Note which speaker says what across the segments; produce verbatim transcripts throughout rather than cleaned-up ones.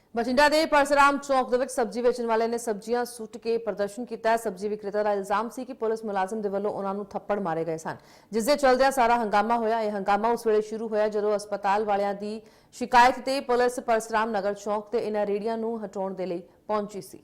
Speaker 1: ਬਠਿੰਡਾ ਦੇ ਪਰਸਰਾਮ ਚੌਕ ਦੇ ਵਿੱਚ ਸਬਜ਼ੀ ਵੇਚਣ ਵਾਲੇ ਨੇ ਸਬਜ਼ੀਆਂ ਸੁੱਟ ਕੇ ਪ੍ਰਦਰਸ਼ਨ ਕੀਤਾ। ਸਬਜ਼ੀ ਵਿਕਰੇਤਾ ਦਾ ਇਲਜ਼ਾਮ ਸੀ ਕਿ ਪੁਲਿਸ ਮੁਲਾਜ਼ਮ ਦੇ ਵੱਲੋਂ ਉਹਨਾਂ ਨੂੰ ਥੱਪੜ ਮਾਰੇ ਗਏ ਸਨ, ਜਿਸ ਦੇ ਚਲਦਿਆਂ ਸਾਰਾ ਹੰਗਾਮਾ ਹੋਇਆ। ਇਹ ਹੰਗਾਮਾ ਉਸ ਵੇਲੇ ਸ਼ੁਰੂ ਹੋਇਆ ਜਦੋਂ ਹਸਪਤਾਲ ਵਾਲਿਆਂ ਦੀ ਸ਼ਿਕਾਇਤ ਤੇ ਪੁਲਿਸ ਪਰਸਰਾਮ ਨਗਰ ਚੌਕ ਤੇ ਇਹਨਾਂ ਰੇੜੀਆਂ ਨੂੰ ਹਟਾਉਣ ਦੇ ਲਈ ਪਹੁੰਚੀ ਸੀ।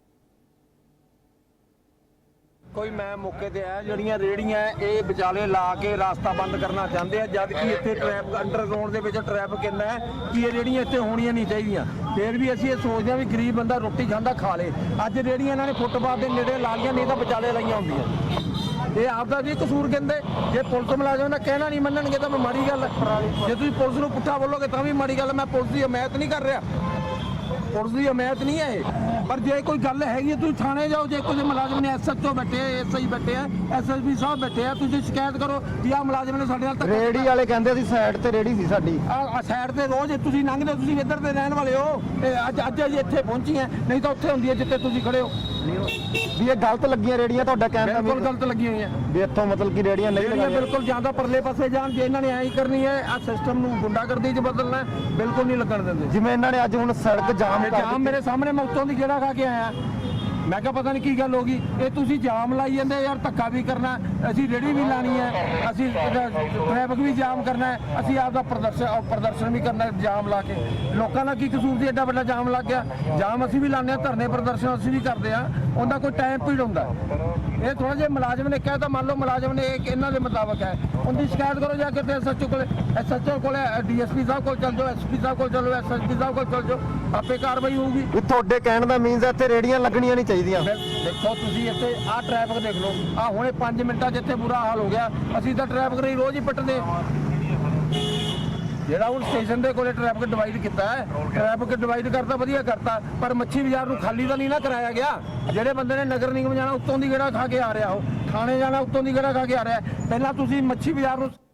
Speaker 2: कोई मैं मौके ते आया जड़ियां रेड़ियां ये विचाले ला के रास्ता बंद करना चाहते हैं, जबकि इतने ट्रैफिक अंडरग्राउंड के ट्रैफिक इन्ना है कि ये रेड़ियां इतने होनियां नहीं चाहिए। फिर भी असं ये सोचते हैं भी गरीब बंदा रोटी खांदा खा ले। अज रेड़ियां इन्होंने फुटपाथ के नेड़े ला लिया, नहीं तो विचाले लाइया होंगे। ये आपका भी कसूर कहते जे पुलिस मुलाजम का कहना नहीं मनणगे तो माड़ी गल है। जे तुम पुलिस को पुट्ठा बोलोगे तो भी माड़ी गल। मैं पुलिस की हमायत नहीं कर रहा, पुलिस की हमायत नहीं है, पर जे कोई गल हैगी तुम थाने जाओ। जे कोई मुलाजम ने एस एच ओ बैठे एस आई बैठे हैं एस एस पी साहब बैठे हैं, तुम शिकायत करो कि आ मुलाजम ने साडे नाल
Speaker 3: रेड़ी वाले कहंदे सी साइड ते रेड़ी सी साडी
Speaker 2: आ साइड ते रोज तुसीं लंघदे, तुसीं इधर दे रहण वाले हो। अज अज अज इत्थे पहुंची हैं, नहीं तो उत्थे हुंदी है जिੱਥੇ ਤੁਸੀਂ खड़े हो।
Speaker 3: भी ये गलत लगियां रेड़ियां ਤੁਹਾਡਾ ਕਹਿਣ ਦਾ
Speaker 2: बिल्कुल गलत लगी हुई है
Speaker 3: भी ਇੱਥੋਂ मतलब कि रेड़ियां नहीं
Speaker 2: रेड़ियां
Speaker 3: लगाइयां।
Speaker 2: बिल्कुल ज्यादा परले पासे जान जे इन्हां ने ऐ ही करनी है। आ सिस्टम ਨੂੰ ਗੁੰਡਾਗਰਦੀ ਚ ਬਦਲਣਾ है, बिल्कुल नहीं लगन ਦਿੰਦੇ।
Speaker 3: ਜਿਵੇਂ ਇਹਨਾਂ ਨੇ ਅੱਜ ਹੁਣ ਸੜਕ ਜਾਮ ਕਰ
Speaker 2: ਜਾਮ ਮੇਰੇ ਸਾਹਮਣੇ ਮੈਂ ਉੱਤੋਂ ਦੀ ਗੇੜਾ ਖਾ ਕੇ ਆਇਆ। मैं क्या पता नहीं की गल होगी, ये तुसी जाम लाई जाते यार, धक्का भी करना, असी रेड़ी भी लानी है, असी ट्रैफिक भी जाम करना है, असी आपका प्रदर्शन प्रदर्शन भी करना है जाम ला के। लोगों का की कसूर से एडा बड़ा जाम लग गया। जाम असी भी लाने, धरने प्रदर्शन असी भी करते हैं, उनका कोई टाइम पीरियड होंगे। ये थोड़ा जिहा मुलाजम ने कहता, मान लो मुलाजम ने इन्हों के मुताबिक है, उनकी शिकायत करो जाके एस एच ओ को एस एच ओ को डी एस पी साहब को चल जाओ, एस पी साहब को चलो, एस एस पी साहब को चल जाओ, आपे कार्रवाई होगी।
Speaker 3: ਵੀ ਤੁਹਾਡੇ ਕਹਿਣ ਦਾ ਮੀਨਸ ਹੈ ਇੱਥੇ ਰੇੜੀਆਂ ਲੱਗਣੀਆਂ ਨਹੀਂ ਚਾਹੀਦੀਆਂ।
Speaker 2: देखो तुसी इत्थे आ ट्रैफिक देख लो, आ हुणे पाँच मिनटां जिथे बुरा हाल हो गया। असीं तां ट्रैफिक रही रोज ही पटदे, ਜਿਹੜਾ ਹੁਣ ਸਟੇਸ਼ਨ ਦੇ ਕੋਲੇ ਟ੍ਰੈਫਿਕ ਡਿਵਾਈਡ ਕੀਤਾ ਹੈ, ਟ੍ਰੈਫਿਕ ਡਿਵਾਈਡ ਕਰਤਾ ਵਧੀਆ ਕਰਤਾ, ਪਰ ਮੱਛੀ ਬਾਜ਼ਾਰ ਨੂੰ ਖਾਲੀ ਤਾਂ ਨਹੀਂ ਨਾ ਕਰਾਇਆ ਗਿਆ। ਜਿਹੜੇ ਬੰਦੇ ਨੇ ਨਗਰ ਨਿਗਮ ਜਾਣਾ ਉੱਤੋਂ ਦੀ ਗੇੜਾ ਖਾ ਕੇ ਆ ਰਿਹਾ, ਉਹ ਥਾਣੇ ਜਾਣਾ ਉੱਤੋਂ ਦੀ ਗੇੜਾ ਖਾ ਕੇ ਆ ਰਿਹਾ। ਪਹਿਲਾਂ ਤੁਸੀਂ ਮੱਛੀ ਬਾਜ਼ਾਰ ਨੂੰ